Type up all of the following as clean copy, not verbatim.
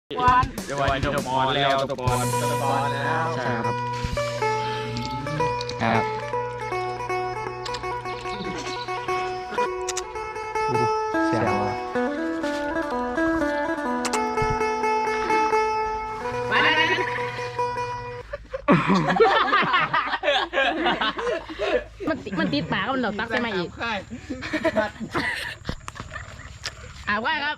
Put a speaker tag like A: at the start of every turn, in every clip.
A: เดี๋ยววันจะปอนแล้วจะปอนแล้วใช่ครับครับเสียว
B: มันติดปากมันเราตักใช่ไหมอีกว่าครับ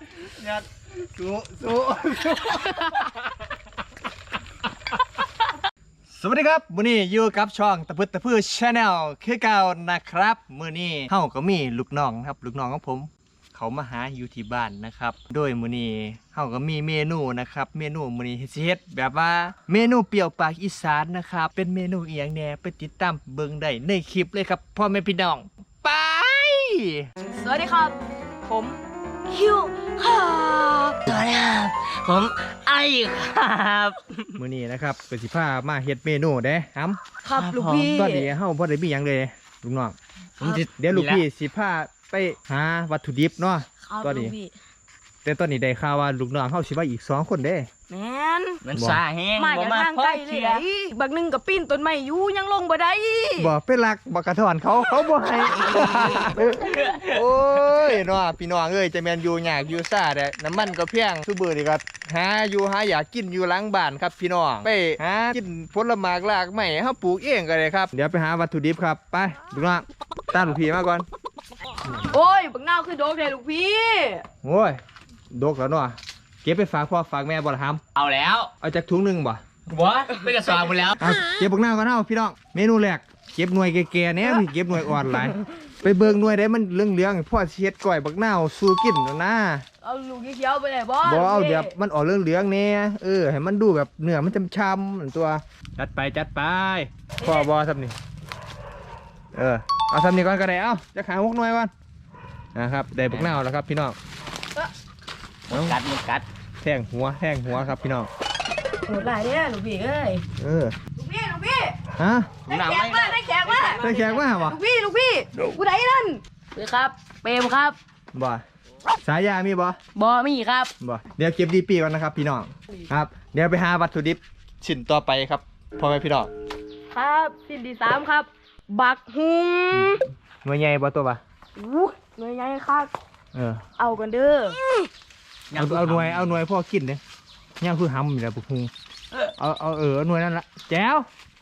A: สวัสดีครับมื้อนี้อยู่กับช่องตะพึดตะพื้ชาแนลคือเก่านะครับมื้อนี้เฮาก็มีลูกน้องครับลูกน้องของผมเขามาหาอยู่ที่บ้านนะครับโดยมื้อนี้เฮาก็มีเมนูนะครับเมนูมื้อนี้สิเฮ็ดแบบว่าเมนูเปรี้ยวปากอีสานนะครับเป็นเมนูอีหยังแหน่ไปติดตามเบิ่งได้ในคลิปเลยครับพ่อแม่พี่น้องไป
B: สวัสดีครับผมคิวครับสวัสดีครับผมไอครับ
A: มื้อนี้นะครับก็สิพามาเฮ็ดเมนูเด้ครับ
B: ครับลูกพี่
A: ตอนนี้เฮาบ่ได้มีหยังเลยลูกน้องเดี๋ยวลูกพี่สิพาไปหาวัตถุดิบเนาะตอนนี้แต่ตอนนี้ได้ข่าวว่าลูกน้องเฮาสิมาอีก2คนเด้
B: แมน
C: มันสาแห้ง
B: มาจากทางไกลเลยบักหนึ่งกับปิ้นต้นไม้อยู่ยังลงบ่ได้
A: บ่เป็นหลักบ่กระถอนเขาบ่ให้ โอ้ยเนาะพี่น้องเอ้ยจะแม่นอยู่ยากอยู่ซ่าเด้น้ำมันก็แพงซุมื้อนี้ก็หาอยู่หาอยากกินอยู่หลังบ้านครับพี่น้องไปหากินผลไม้รากไม้เฮาปลูกเองก็ได้ครับเดี๋ยวไปหาวัตถุดิบครับไปลูกน้องตามลูกพี่มาก่อน
B: โอ้ยบักนาวคือโดกเลยลูกพี่
A: โอ้ยดกแล้วเนาะเก็บไปฝากพ่อฝากแม่บ่ล่ะครับ
C: เอาแล้ว
A: เอาจากถุงหนึงบ่
C: วะเป็นกระสอบหมดแล้ว
A: เอาเก็บบักหน้าก่อนเอาพี่น้องเมนูแรกเก็บหน่วยแก่ๆเนี่ยพี่เก็บหน่วยอ่อนหลายไปเบิ่งหน่วยได้มันเหลืองๆพ่อเช็ดก้อยบักหน้าวสู้กินแล้วนะ
B: เอาลูกเขียวไปเลยบอส
A: บ่เอาแบบมันออกเหลืองๆเนี่ยให้มันดูแบบเนื้อมันช้ำๆเหมือนตัวจัดไปพ่อบ่ทำนี่เอาทำนี่ก่อนก็ได้เอาจะขา6หน่วยก่อนนะครับได้บักหน้าวแล้วครับพี่น้อง
C: กัดมันกัด
A: แทงหัวครับพี่น้อง
B: โหดหลายเนี่ยลูกพี่เอ้ยลูกพี่
A: ฮะ
B: ได้แขกมาได้แขกมา
A: ได้แขกมาบ่
B: ลูกพี่กูได้นั่นเลยครับเปรมครับ
A: บ่สายยามีบ่
B: บอมีครับ
A: บ่เดี๋ยวเก็บดีปีก่อนนะครับพี่น้องครับเดี๋ยวไปหาวัตถุดิบชิ้นต่อไปครับพ่อแม่พี่น้อง
B: ครับสิ่งที่3ครับ บักฮุง
A: หน่วยใหญ่บ่ตัวบ่
B: หน่วยใหญ่ครับ เอากันเด้อ
A: เอาหน่วยพ่อกินเด้ย่างคือหำอยู่แล้วปุกฮุงเอาหน่วยนั่นละแจ๋ว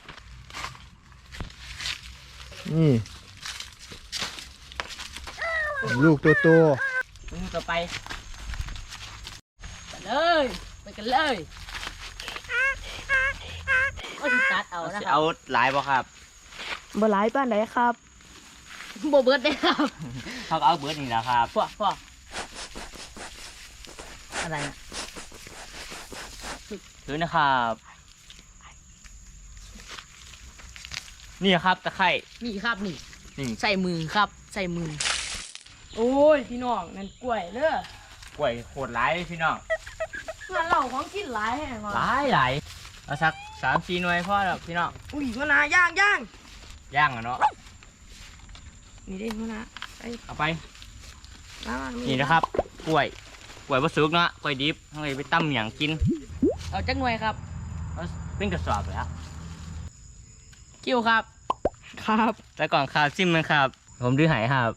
A: นี่ลูกตัวโต
C: ต่อไป
B: ไปเลยไปกันเลยก็จะตัดเอานะครั
C: เอาหลายบ่ครับ
B: บ่หลายป้านไหนครับบ่เบิดได้ครับ
C: เขาเอาเบิร์ดนี่แหละครับ
B: พวกอะไรนะ
C: ถือนะครับนี่ครับตะไคร่
B: นี่ครับนี่
C: นี่
B: ใส่มือครับใส่มือโอ้ยพี่น้องนั่นกล้วยเด้อก
C: ล้วยโคตรหลายเลยพี่น้อง
B: งานเราของกินหลายแห่ง
C: หลายเอาสัก3-4หน่วยพอแล้วพี่น้อง
B: อุ้ยมะนาวย่าง
C: ย่างอ่ะเนาะ
B: นี่ได้มะนาว
C: เอาไป
B: มามา
C: นี่นะครับกล้วยบะสุกเนาะกล้วยดิบเอาไปตั้มอย่างกิน
B: เอาจักหน่วยครับ
C: เอาเป็นกระสอบเลยครับ
B: คิวครับครับ
C: แต่ก่อนข้าวจิ้มมันครับ ผมดื้อหายครับ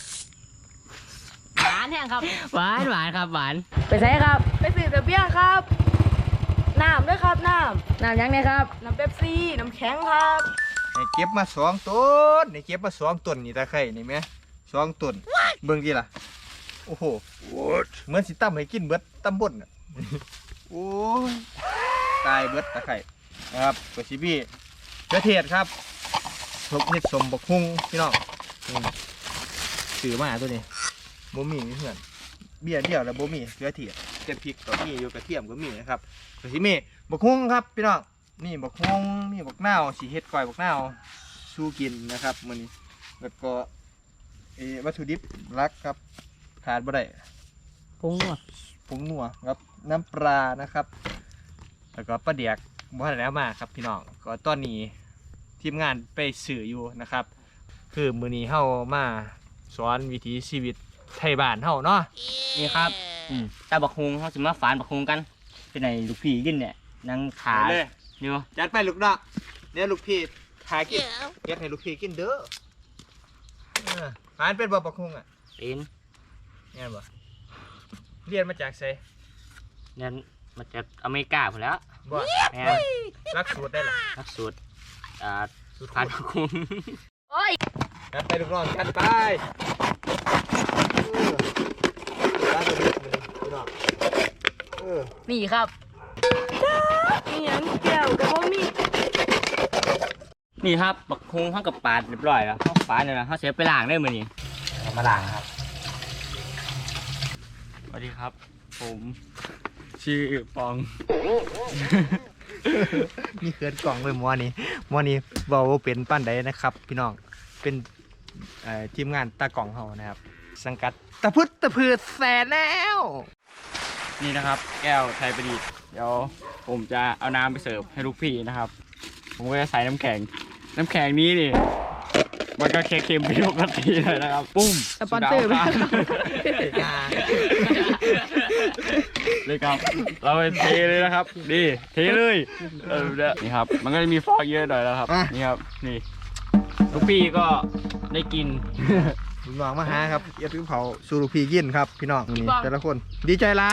B: หวานแห้งครับ
C: หวานครับหวาน
B: ไปใส่ครับ ไปซื้อแต่เบี้ยครับน้ำด้วยครับน้ำยังไงครับน้ำเป๊ปซี่น้ำแข็งครับ
A: นี่เก็บมา2ต้นนี่เก็บมา2ต้นนี่ตะไคร่นี่แม่2ต้นเบิ่งดิล่ะโอ้โหเหมือนสิตั้มให้กินเบิดตำบลน่ะ โอ้ยตายเบิดตะไคร่นะครับกระชิบี้กระเทียดครับทบเห็ดสมบกฮุงพี่น้องถือมาตัวนี้บ่มีเพื่อนเบี้ยเดียวแล้วบ่มีกระเทียดเจ็ดพริกก็มีอยู่กระเทียมก็มีนะครับกระชิบี้บกฮุงครับพี่น้องนี่บกฮุงมีบกนาวสีเห็ดก้อยบกนาวสู้กินนะครับมื้อนี้แล้วก็วัตถุดิบหลักครับขาดบ่ได้
B: ผงนัว
A: ผงนัวครับน้ำปลานะครับแล้วก็ปลาเดียกบ่ทันแล้วมาครับพี่น้องก็ตอนนี้ทีมงานไปสื่ออยู่นะครับคือมื้อนี้เฮามาสอนวิถีชีวิตไทยบ้านเฮาเนาะ
C: นี่ครับตาบักฮุงเขาสิมาฝานบักฮุงกันเป็นไหนลูกพี่กินเนี่ยนั่งขา
A: เลย
C: เดี๋ยว
A: จัดไปลูกน้องเนี่ยลูกพี่หากินเฮ็ดให้ลูกพี่กินเด้อหานเป็นบ่ปักฮุงอ่ะ
C: เป็น
A: เนี่ยบ่เรียนมาจากไส
C: เนี่ยมาจากอเมริกาพอแล้ว
A: บ่
C: แม่
A: รักสูตรได้ล่ะ
C: นักสูตร
A: สูตร
C: พันคุ้ม
B: โอ้ย
A: จัดไปลูกน้องจัดไปจัดไปลูกน้อง
B: นี่ครับนี่ยังแก้วกับพวกนี้
C: นี่ครับบักคุ้งข้างกับปาดเรียบร้อยแล้วข้างปาดเนี่ยนะเขาเสียไปล้างได้มื้อนี้เอามาล้างครับสวัสดีครับผมชื่อปอง
A: นี่เขินกล่องเลยหมอนี้เบาเป็นป้านใดนะครับ พี่น้องเป็นทีมงานตากล่องเฮานะครับ สังกัดตะพึดตะพืดแสนแล้ว
C: นี่นะครับ แก้วไทยประดิษฐ์เดี๋ยวผมจะเอาน้ำไปเสิร์ฟให้ลูกพี่นะครับ ผมก็จะใส่น้ำแข็งนี้นี่มันก็เค็มๆไปปกติเลยนะครับปุ้ม
B: สปอนเซอร์ไหม
C: เลยครับเราไปเทเลยนะครับนี่เทเลยนี่ครับมันก็จะมีฟองเยอะหน่อยแล้วครับนี่ครับนี่ลูกพี่ก็ได้กิน
A: ลุงน้องมาหาครับเอียดเผาสูรุพีกินครับพี่น้องนี่แต่ละคนดีใจร้าย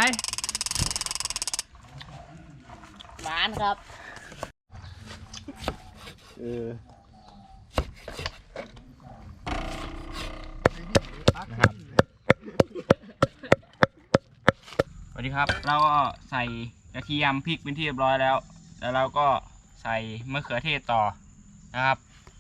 B: หวานครับ
A: นะครับ
C: สวัสดีครับเราก็ใส่กระเทียมพริกเป็นที่เรียบร้อยแล้วเราก็ใส่มะเขือเทศต่อนะครับ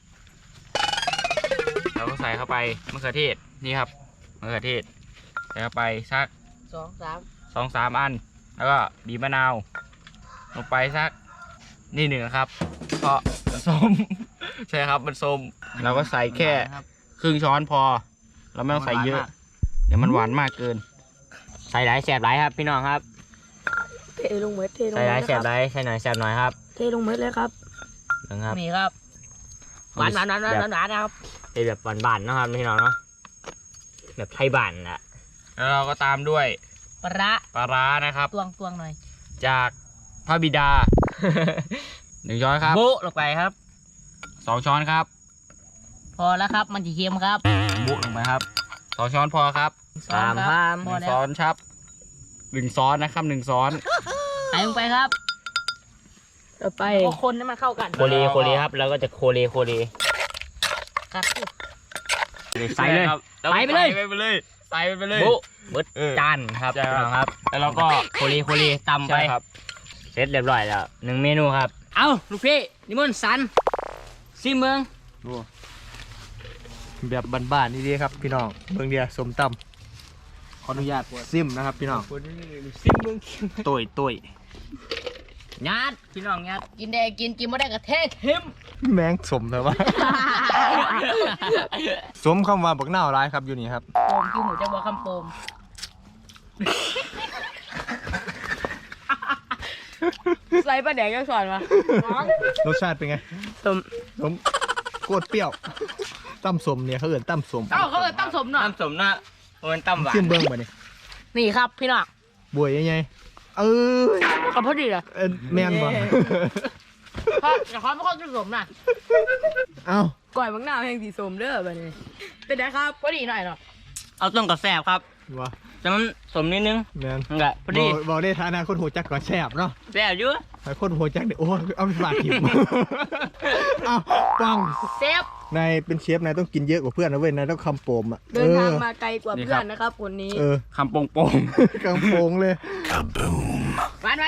C: เราก็ใส่เข้าไปมะเขือเทศนี่ครับมะเขือเทศใส่เข้าไปสัก 2-3 อันแล้วก็บีบมะนาวลงไปสักนี่หนึ่งครับเพราะมันส้ม ใช่ครับมันส้มเราก็ใส่แค่ครึ่งช้อนพอเราไม่ต้องใส่เยอะเดี๋ยวมันหวานมากเกินใส่หลายแสบหลายครับพี่น้องครับ
B: เทลงเม็ดเทลง
C: ใส่ห
B: เม็
C: ลาย
B: ด
C: แสบหลายใส่หน่อยแสบหน่อยครับ
B: เทลงเม็ดเลยครับ
C: นะครับ
B: นี่ครับหวานครับ
C: เป็นแบบหวานๆนะครับพี่น้องเนาะแบบไทยบ้านแหละแล้วเราก็ตามด้วย
B: ปลา
C: ปลาร้านะครับ
B: ตวงหน่อย
C: จากพระบิดา 1 ช้อนครับ
B: โบะลงไปครับ
C: 2 ช้อนครับ
B: พอแล้วครับมันจะเค็มครับ
C: บุลงไปครับ2 ช้อนพอครับ
B: พอ
C: 1
B: แล้ว
C: ช้อนครับ1 ช้อนนะครับ1 ช้อน
B: ใส่ลงไปครับต่อไปก็คนให้มันเข้ากัน
C: โคเลครับแล้วก็จะโคเล
B: ครับ
C: ใส่เลย
B: ใส่ไปเลย
C: ใส่ไปเลยใส่ไปเลย
B: โบะเบิดจานครับ
C: ใช่ครับ
B: ครับ
C: แล้วเราก็
B: โคลีตำไป
C: ใช่ครับเสร็จเรียบร้อยแล้ว1 เมนูครับ
B: เอาลูกพี่นิมนต์สันซิเมือง
A: แบบบ้านๆนี่ดีครับพี่น้องเมืองเดียสมตำขออนุญาตซิมนะครับพี่น้อง
C: ซิมเมือง
A: ตุย
B: ยัดพี่น้องยัดกินได้กินไม่ได้ก็เทเค็ม
A: แมงสมเลยวะ สมคำว่าบักหน้าวร้ายครับอยู่นี่ครับ
B: โปมกินหมูจะบอกคำโปมใส่ปลาแดงก็สอนมา
A: รสชาติเป็นไง
B: สม
A: สมโคตรเปรี้ยวตั้มสมเนี่ยเขาเอิ้นตั้มสม
B: เขาตั้มสมหน่อย
C: น้ำสมนะมันตั้มหวาน
A: ซิมเบิ้งมาเนี่ย
B: นี่ครับพี่น้อง
A: บวยยังไงย
B: กับพอดีเลย
A: แมนบ่
B: เพราะแต่เขาไม่ค่อยจะสมน่ะ
A: เอ้า
B: ก่อยบางหน้าแห่งสีสมเด้อแบบนี้เป็นไงครับพอดีหน่อยเนาะ
C: เอาต้มกับแซ่บครับ
A: วะ
C: จะมันสมนิดนึง
A: แมน
C: นั่นแหละพอดี
A: บอกได้ฐานะคนหัวจักก่อนแซ่บเนาะ
C: แซ่บอยู่
A: แต่คนหัวจักเดี๋ยวโอ้ยเอาไปฝากทิม เอ้าปัง
B: เซฟ
A: นายเป็นเชฟนายต้องกินเยอะกว่าเพื่อนนะเว้ยนายต้องคำโปมอ่ะ
B: เดินทางมาไกลกว่าเพื่อนนะครับคนนี้
C: คำโป่ง
A: คำโปงเลย
B: วัน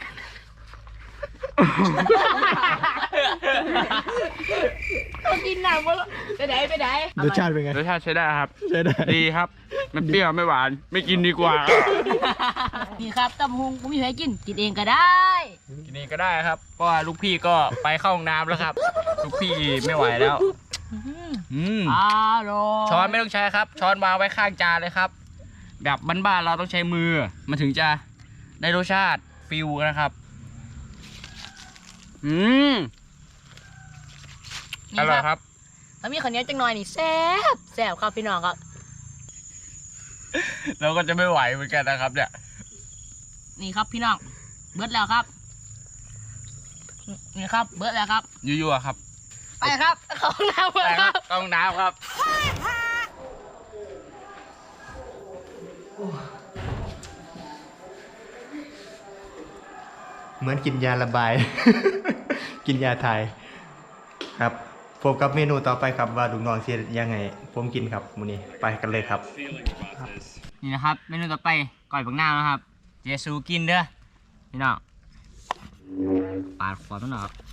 B: ต้องกินหนักวะไปไหน
A: รสชาติเป็นไง
C: รสชาติใช้ได้ครับ
A: ใช่ได้
C: ดีครับมันเปรี้ยวไม่หวานไม่กินดีกว่า
B: นี่ครับตำฮงผมมีให้กินเองก็ได้
C: กินเองก็ได้ครับเพราะว่าลูกพี่ก็ไปเข้าห้องน้ำแล้วครับ ลูกพี่ไม่ไหวแล้ว
B: อร่อย
C: ช้อนไม่ต้องใช้ครับ ช้อนวางไว้ข้างจานเลยครับ แบบบ้านๆเราต้องใช้มือมันถึงจะได้รสชาติฟิวนะครับอร่อยครับ
B: ถ้ามีข้าวเหนียวจังหน่อยนี่แซ่บครับพี่น้องครับ
C: เราก็จะไม่ไหวเหมือนกันนะครับเนี่ย
B: นี่ครับพี่น้องเบิดแล้วครับนี่ครับเบิดแล้วครับ
C: ยั่วๆครับ
B: ไปครับเข้าห้องน้ำ
C: ไป
B: ค
C: ค
B: รั
C: รั
B: บบ
C: ต้องน้ำครับ
A: เหมือนกินยาระบาย กินยาไทยครับพบกับเมนูต่อไปครับว่าลุงน้องเสียยังไงผมกินครับมื้อนี้ไปกันเลยครับ
C: นี่นะครับเมนูต่อไปก้อยบักนาวนะครับเจสูกินเด้อพี่น้องปาดขวดมันหน่อยครับ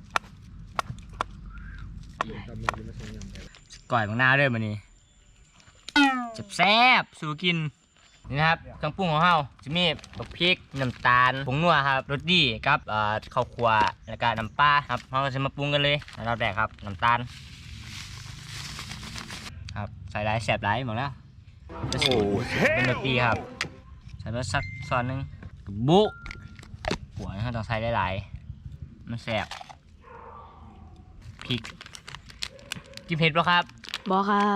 C: ก้อยบักนาวเด้อมื้อนี้แซ่บๆสูกินนี่นะครับเครื่องปรุงของเราจะมีบักพริกน้ำตาลผงนัวครับรสดีกับข้าวคั่วแล้วก็น้ำปลาครับเราจะมาปรุงกันเลยเราแดกครับน้ำตาลครับใส่หลายแซ่บหลายหมดแล้ว โอ้เป็นดนตรีครับใส่มาสักซอนหนึงบุหัวนะครับต้องใส่หลายๆมันแสบพริกกินเผ็ดปะครับ
B: บอกครับ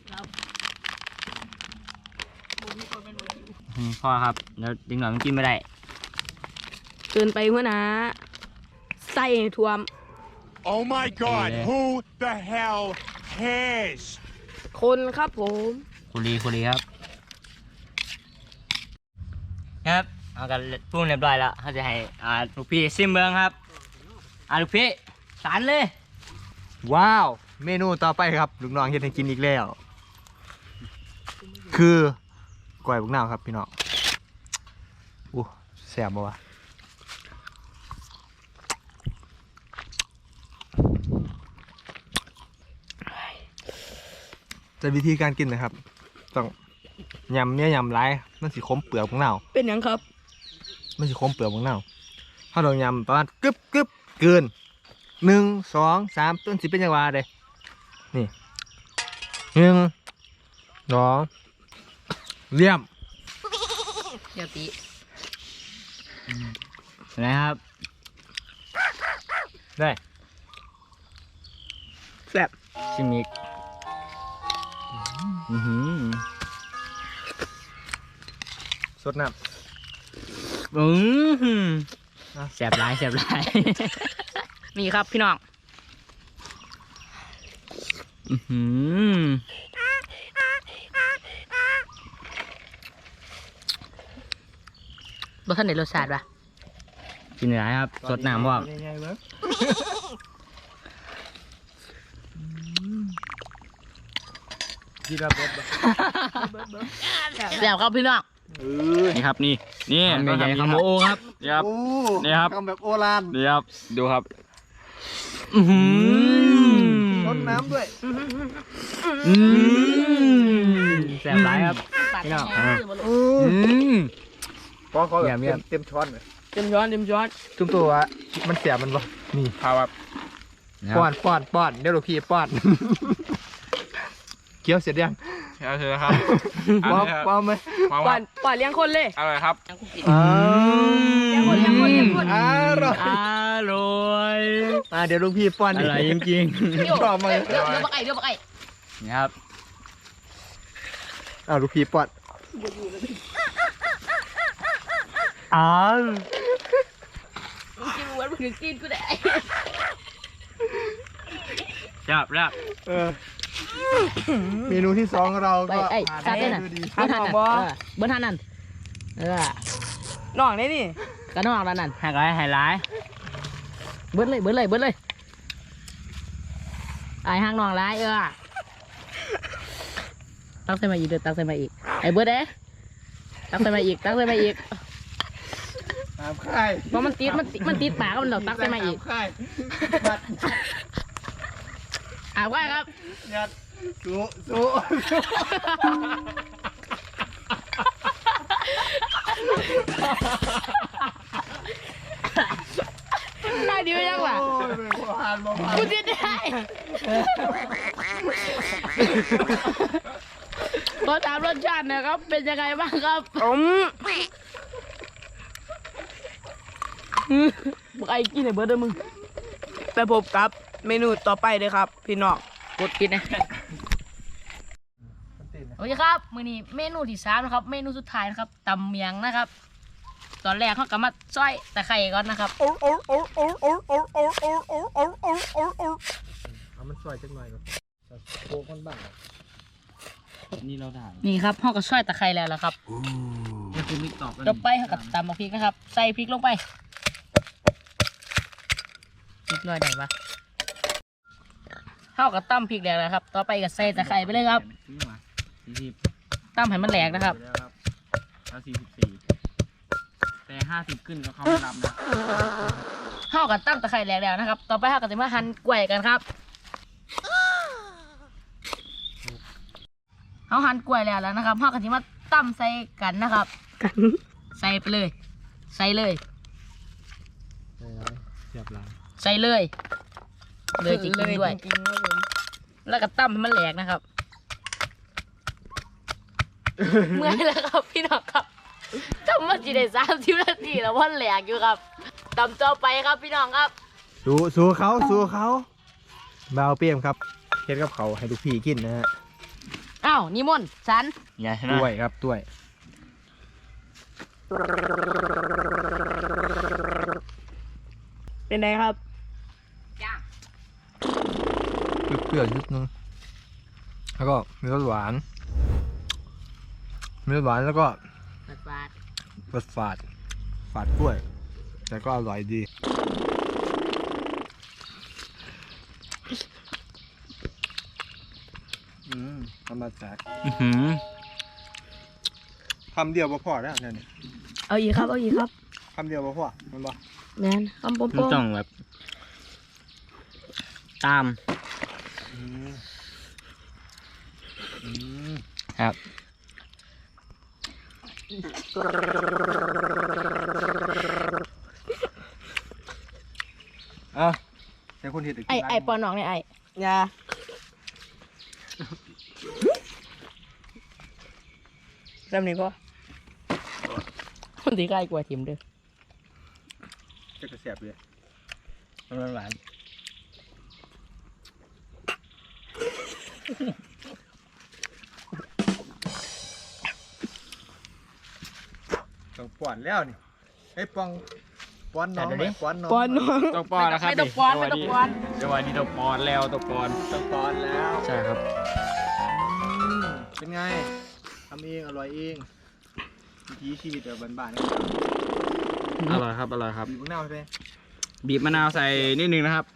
C: พ่อครับแล้วดึงหน่อยมันกินไม่ได้
B: เกินไปหัวหน้าใส่ให้ท่วม
D: Oh my God! Who the hell cares?
B: คนครับผม
C: คุรีครับครับเอากันปรุงเรียบร้อยแล้วเขาจะให้ลูกพี่ซิมเบิงครับลูกพี่สารเลย
A: ว้าว เมนูต่อไปครับลุงน้องเฮ็ดให้กินอีกแล้ว คือก้อยบักนาวครับพี่น้องอู้แซ่บบ่วะจะวิธีการกินนะครับต้องยำเนี่ยยำไรมันสิคมเปลือกบักนาว
B: เป็นหยังครับ
A: มันสิคมเปลือกบักนาวถ้าเรายำประมาณกึบเกิน1 2 3ต้นสิเป็นจังหวะเด้นี่1 2เลี่ยม
B: เดี๋ยวตี
C: นะครับ
A: ได้
B: แซ่บ
C: ชิมิก
A: สดน้
C: แสบหลาย
B: นี่ครับพี่น้องรสชาติไหนรสชาติปะ
C: กินหลายครับ
A: ำ
C: สดน้ำว่า
A: ง่ายๆเว้ยกินระเบิดบ่
B: แซ่บครับพี่น้อง
C: นี่ครับนี่ใหญ่ๆคำโอครับนี่ครับ
A: โอ้
C: นี่ครับ
A: ทำแบบโอราน
C: นี่ครับดูครับ
A: รดน้ำด้วย
C: แสบหลายครับพี่น้อง
A: พอเขาแบบ
C: เยี่ยม
A: เต็มช้อนเลย
B: เต็มช้อน
A: ทุกตัวมันเสียมันบ่นี่
C: ครับ
A: ป้อนเดี๋ยวลูกพี่ป้อน เคี้ยวเสร็จยัง
C: เอาเถอะครับ
A: ป้อนไหม
B: ป่าเลี้ยงคนเลย
C: อร่อยครับ
B: เลี้ยงคน
A: อร่อย
C: อร่อย
A: เดี๋ยวลูกพี่ป้อน
C: อร่อยจริง
A: ชอบมากเลย
B: เดี๋ยวบักไก่
C: ๆนี่ครับ
A: ลูกพี่ป้อน
B: กินวันมึงกินกูได้
C: ครับ
A: เมนูที่สองเรา
B: ไป
A: ก็
B: ไอ้
A: ผ่าน
B: ซา
A: ไป
B: เต้นน่ะ
A: ด้วยดี
B: เบิ้ลทันนั่นน้องได้นี่ก็น้องแล้วนั่น
C: ให้ไฮไลท์
B: เบิ้ลเลยไอ้ห้างน้องร้ายตั้งใส่มาอีกตั้งใส่มาอีกไอ้เบิ้ลตั้งใส่มาอีก
A: ตามค่าย
B: เพราะมันติดปากมันหลอกตั้งใส่มาอีก
A: ตค่ายบัด
B: ว่าครับ
A: ยัดสู้
B: ได้ดีไหมยังวะ
A: โอ้ยไม่ผ่านบ่ผ่าน
B: กูจะได้ขอถามรสชาติหนะครับ เป็นยังไงบ้างครับบอกไอ้กินไอ้เบิร์ดด้วยมึงไปพบกับเมนูต่อไปเลยครับ พี่น้องกดกินนะโอเคครับมื้อนี้เมนูที่3นะครับ เมนูสุดท้ายนะครับตำเมียงนะครับตอนแรกเขาก็มาซอยตะไคร้ก่อนนะครับ
A: เอามันซอยจังหน่อยก่อนโค้งคนบ้าง
C: นี่เราถ่าย
B: นี่ครับเขาก็ซอยตะไคร้แล้วล่ะครับ
C: นี่คือมิกตอบ
B: ต่อไปเขาก็ตำเอาพริกนะครับ ใส่พริกลงไปพริกน้อยได้ปะเขาก็ตำพริกแล้วนะครับ ต่อไปก็ใส่ตะไคร้ไปเลยครับ
C: 40
B: ตำให้มันแหลกนะครับ
C: แล้ว44แต่50ขึ้นก็เขาไม่รับนะ
B: เขาก็ตำตะไคร้แหลกแล้วนะครับ ต่อไปเขาก็จะมาหั่นกล้วยกันครับเขาหั่นกล้วยแล้วนะครับเขาก็จะมาตำใส่กันนะครับใส่ไปเลย ใส่เลย
A: เสียบหลัง
B: ใส่เลยเลยจะกินด้วยแล้วก็ตั้มให้มันแหลกนะครับ เมื่อยแล้วครับพี่น้องครับทำมาจีได้30 นาทีแล้วว่าแหลกอยู่ครับตำต่อไปครับพี่น้องครับ
A: สู้เขาเบาเปี่ยมครับเฮ็ดกับเขาให้ลูกพี่กินนะฮะ
B: อ้าวนิมนต์สัน
C: อย่าชนะ
A: ด้วยครับด้วย
B: เป็นไงครับ
A: เปรี้ยวๆนิดนึงแล้วก็มีรสหวานแล้วก็รสฝาดกล้วยแต่ก็อร่อยดีธรรมชาติคำเดียวบ่พอแล้วเนี่ย
B: เอาอีกครับ
A: คำเดียวบ่พอมันบ่
B: แมนคำโป้
C: มันต้องแบบ ตามครับ
A: อ่ะแต่คนเห็ด
B: ไอปอนน้องเนี่ยไออย่าจำนี้ก็คนที่ใกล้กว่าทีมเด้อ
A: จะกระแสบเลย
C: มันหวาน
A: ต้องป้อนแล้วนี่ไอ้ป้อนน้องไหมป้อนน้อง
B: ปอนน้อง
C: ต้องป้อนนะครับ
B: ไม่ต้องป้อน
C: จังหวะ
B: ไม่ต้องป้อน
C: จังหวะนี้ต้องป้อนแล้วต้องป้อน
A: ต้องป้อนแล้ว
C: ใช่ครับ
A: เป็นไงทำเองอร่อยเองวิถีชีวิตแบบบ้านๆ
C: อร่อยครับ อร่อยครับ
A: บีบมะนาวใช่ไหม
C: บีบมะนาวใส่นิดนึงนะครับ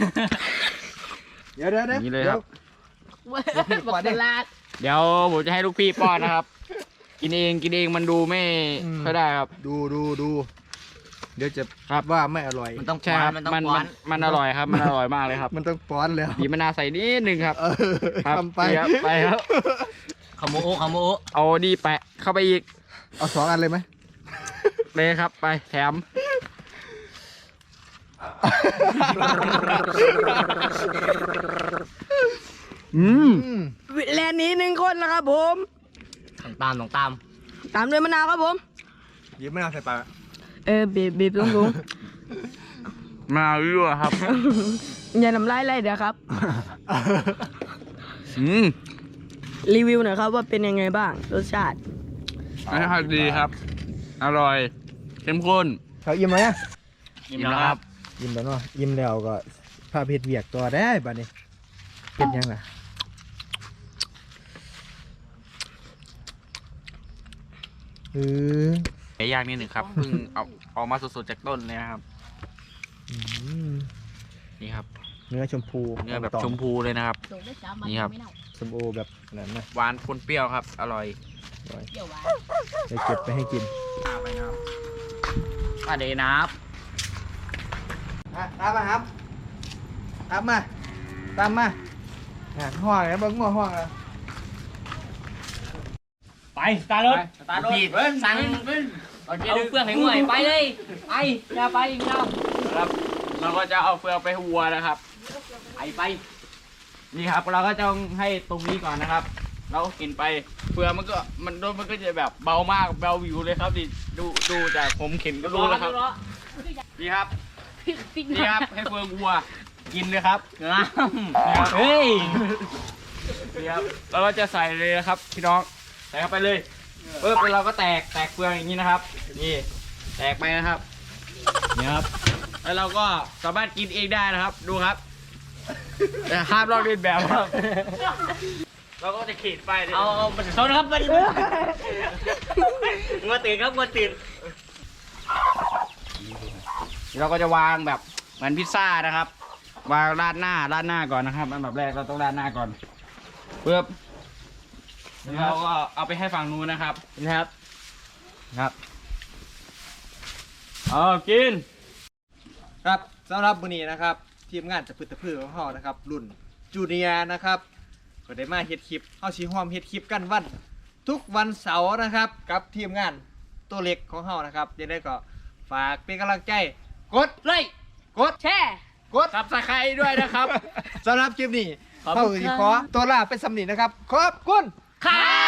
A: เดี๋ยว
C: อย่างนี้เลยครับ
B: บอกตลาด
C: เดี๋ยวผมจะให้ลูกพี่ป้อนนะครับ กินเองมันดูไม่ค่อยได้ครับ
A: ดูเดี๋ยวจะ
C: ครับ
A: ว่าไม่อร่อย
C: มันต้องใช่ครับมันอร่อยครับ มันอร่อยมากเลยครับ
A: มันต้องป้อนแล้ว
C: บีบมะนาวใส่นิดนึงครับ ครับ
A: ทำไป
C: นี่ครับไปครับ
B: ขโมโอ
C: เอาดีแปะเข้าไปอีก
A: เอา2 อันเลยไหม
C: เลยครับไปแถม
B: แลนนี้1 คนนะครับผมตามด้วยมะนาวครับผม
A: บีบมะนาวใส่ปาก
B: บีบตรง
C: มะนาวยั่วครับ
B: ๆ อย่าน้ำลายไหลเดี๋ยวครับ รีวิวหน่อยครับว่าเป็นยังไงบ้างรสชาติ
C: รสชาติดีครับ อร่อยเข้มข้น
A: เขาอิ่มไหมอะ
C: อิ่มแล้วครับ
A: อิ่มแล้วเนาะอิ่มแล้วก็พาเพชรเวียกตัวได้บัดนี้เป็นยังไง
C: ไก่ย่างนิดหนึ่งครับเพิ่งเอาออกมาสดๆจากต้นเลยนะครับ นี่ครับ
A: เนื้อชมพู
C: เนื้อแบบชมพูเลยนะครับ นี่ครับ
A: ชมพูแบบนั้นนะ
C: หวานปนเปรี้ยวครับ อร่อย
A: เดี๋ยวเก็บไปให้กิน
C: มาเดนับ
A: ตามมาครับตามมาห้องแล้วเบิ้งหัวห้องแล้ว
C: ไปสตาร์ทรถสตาร์ทรถสั่งเอาเฟืองให้หน่วยไปเลยไปอย่าไปอีกแล้วครับเราก็จะเอาเฟืองไปวัวนะครับ ไปนี่ครับเราก็จะให้ตรงนี้ก่อนนะครับ เราก็กินไปเฟืองมันก็จะแบบเบามากเบาวิวเลยครับดิดูจากผมเข็นก็รู้แล้วครับนี่ครับนี่ครับให้เฟืองวัวกินเลยครับนี่ครับเฮ้ยนี่ครับเราก็จะใส่เลยนะครับพี่น้องใส่เข้าไปเลยปุ๊บเราก็แตกเฟืองอย่างนี้นะครับนี่แตกไปนะครับนี่ครับแล้วเราก็สามารถกินเองได้นะครับดูครับแต่ห้ามลอกเลียนแบบครับเราก็จะขีดไปเอามันชนครับมันมาตื่นครับมาตื่นเราก็จะวางแบบเหมือนพิซซ่านะครับวางราดหน้าก่อนนะครับอันดับแรกเราต้องราดหน้าก่อนเพื่อเราก็เอาไปให้ฝั่งนู้นนะครับครับเอากิน
A: ครับสำหรับมื้อนี้นะครับทีมงานจะพืชตะพืชของเฮานะครับรุ่นจูเนียร์นะครับก็ได้มาเฮ็ดคลิปเฮาสิร่วมเฮ็ดคลิปกันทุกวันเสาร์นะครับกับทีมงานตัวเล็กของเฮานะครับยังไงก็ฝากเป็นกำลังใจกดไลค์กด
B: แช่
A: กด
C: ซับสไครต์ด้วยนะครับ
A: สำหรับคลิปนี้
B: ขอบ
A: เฮา
B: คุณ
A: สิ
B: ครับ
A: ขอตัวลาไปสำนีนะครับขอบคุณ
B: ครับ